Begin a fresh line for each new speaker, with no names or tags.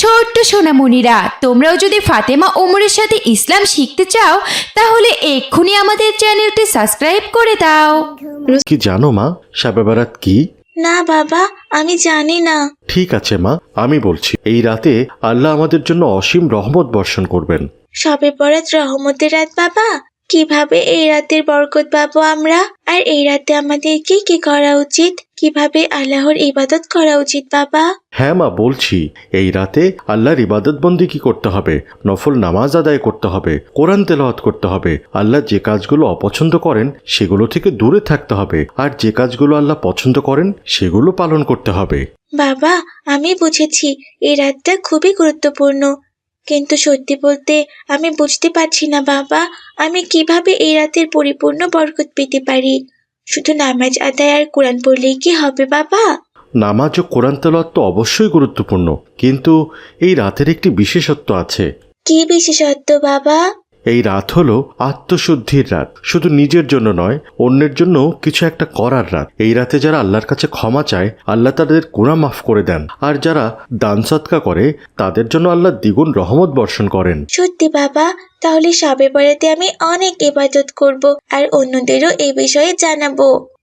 ছোট্ট সোনামণিরা, তোমরাও যদি ফাতেমা ওমরের সাথে ইসলাম শিখতে চাও তাহলে এক্ষুনি আমাদের চ্যানেলটি সাবস্ক্রাইব করে দাও।
কি জানো মা শবে বরাত কি?
না বাবা, আমি জানি না।
ঠিক আছে মা, আমি বলছি। এই রাতে আল্লাহ আমাদের জন্য অসীম রহমত বর্ষণ করবেন।
শবে বরাত রহমতের রাত বাবা। কিভাবে এই রাতের বরকত পাবো আমরা? আর এই রাতে আমাদের কি কি করা উচিত? কিভাবে আল্লাহর ইবাদত করা উচিত বাবা?
হ্যাঁ মা, বলছি। এই রাতে আল্লাহর ইবাদত বন্দিগি করতে হবে, নফল নামাজ আদায় করতে হবে, কোরআন তেলাওয়াত করতে হবে। আল্লাহ যে কাজগুলো অপছন্দ করেন সেগুলো থেকে দূরে থাকতে হবে, আর যে কাজগুলো আল্লাহ পছন্দ করেন সেগুলো পালন করতে হবে।
বাবা, আমি বুঝেছি এই রাতটা খুবই গুরুত্বপূর্ণ, কিন্তু সত্যি বলতে আমি বুঝতে পারছি না বাবা, আমি কিভাবে এই রাতের পরিপূর্ণ বরকত পেতে পারি? শুধু নামাজ আদায় আর কোরআন পড়লেই কি হবে বাবা?
নামাজ ও কোরআন তেলাওয়াত তো অবশ্যই গুরুত্বপূর্ণ, কিন্তু এই রাতের একটি বিশেষত্ব আছে।
কি বিশেষত্ব বাবা?
এই রাত হলো আত্মশুদ্ধির রাত। শুধু নিজের জন্য নয়, অন্যের জন্য কিছু একটা করার রাত। এই রাতে যারা আল্লাহর কাছে ক্ষমা চায়, আল্লাহ তাদের গুনাহ মাফ করে দেন। আর যারা দান সদকা করে, তাদের জন্য আল্লাহ দ্বিগুণ রহমত বর্ষণ করেন।
সত্যি বাবা, তাহলে শবে বরাতে আমি অনেক ইবাদত করব আর অন্যদেরও এই বিষয়ে জানাবো।